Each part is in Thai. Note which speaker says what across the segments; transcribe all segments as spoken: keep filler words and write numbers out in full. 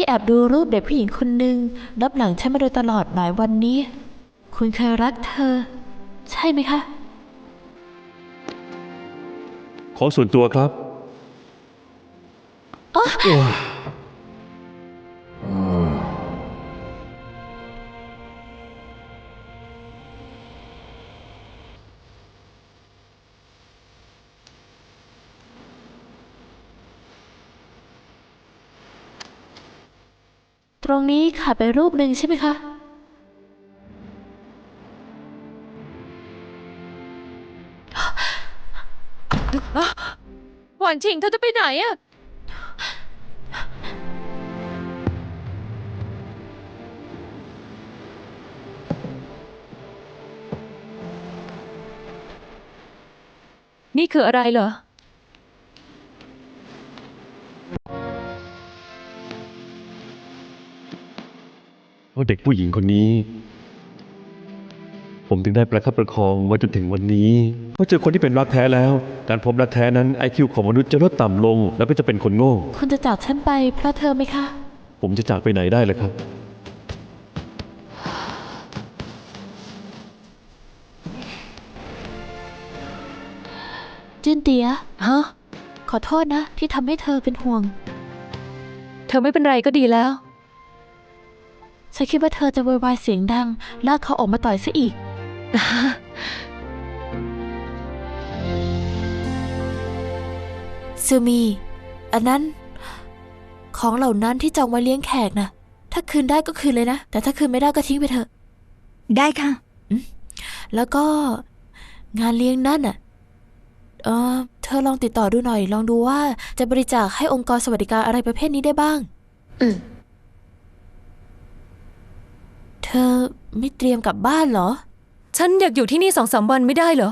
Speaker 1: แอบดูรูปเด็กผู้หญิงคนหนึ่งรับหลังฉันมาโดยตลอดหลายวันนี้คุณเคยรักเธอใช่ไหมคะ
Speaker 2: ของส่วนตัวครับ
Speaker 1: อ๋อตรงนี้ขาดไปรูปหนึ่งใช่ไหมคะ
Speaker 3: หวานชิงเธอจะไปไหนอะนี่คืออะไรเหรอ
Speaker 2: เพราะเด็กผู้หญิงคนนี้ ผมถึงได้ประคับประคองมาจนถึงวันนี้เพราะเจอคนที่เป็นรักแท้แล้วการพบรักแท้นั้น ไอ คิว ของมนุษย์จะลดต่ำลง แล้วก็จะเป็นคนโง่
Speaker 1: คุณจะจากฉันไปเพราะเธอไหมคะ
Speaker 2: ผมจะจากไปไหนได้ล่ะครับ
Speaker 1: จินเตีย
Speaker 3: ฮะ
Speaker 1: ขอโทษนะที่ทำให้เธอเป็นห่วง
Speaker 3: เธอไม่เป็นไรก็ดีแล้ว
Speaker 1: ฉันคิดว่าเธอจะโวยวายเสียงดังลากเขาออกมาต่อยซะอีกซูมีอันนั้นของเหล่านั้นที่จองไว้เลี้ยงแขกนะถ้าคืนได้ก็คืนเลยนะแต่ถ้าคืนไม่ได้ก็ทิ้งไปเถอะ
Speaker 4: ได้ค่ะ
Speaker 1: แล้วก็งานเลี้ยงนั่นน่ะเออเธอลองติดต่อดูหน่อยลองดูว่าจะบริจาคให้องค์กรสวัสดิการอะไรประเภทนี้ได้บ้าง
Speaker 4: อืม
Speaker 1: เธอไม่เตรียมกลับบ้านเหรอ
Speaker 3: ฉันอยากอยู่ที่นี่สองสามวันไม่ได้เหรอ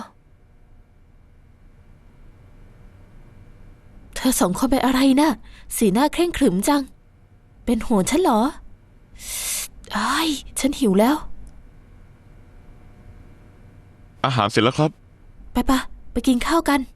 Speaker 1: เธอสองคนเป็นอะไรนะสีหน้าเคร่งขรึมจังเป็นห่วงฉันเหรอไอ้ายฉันหิวแล้ว
Speaker 5: อาหารเสร็จแล้วครับ
Speaker 1: ไปปะไปกินข้าวกัน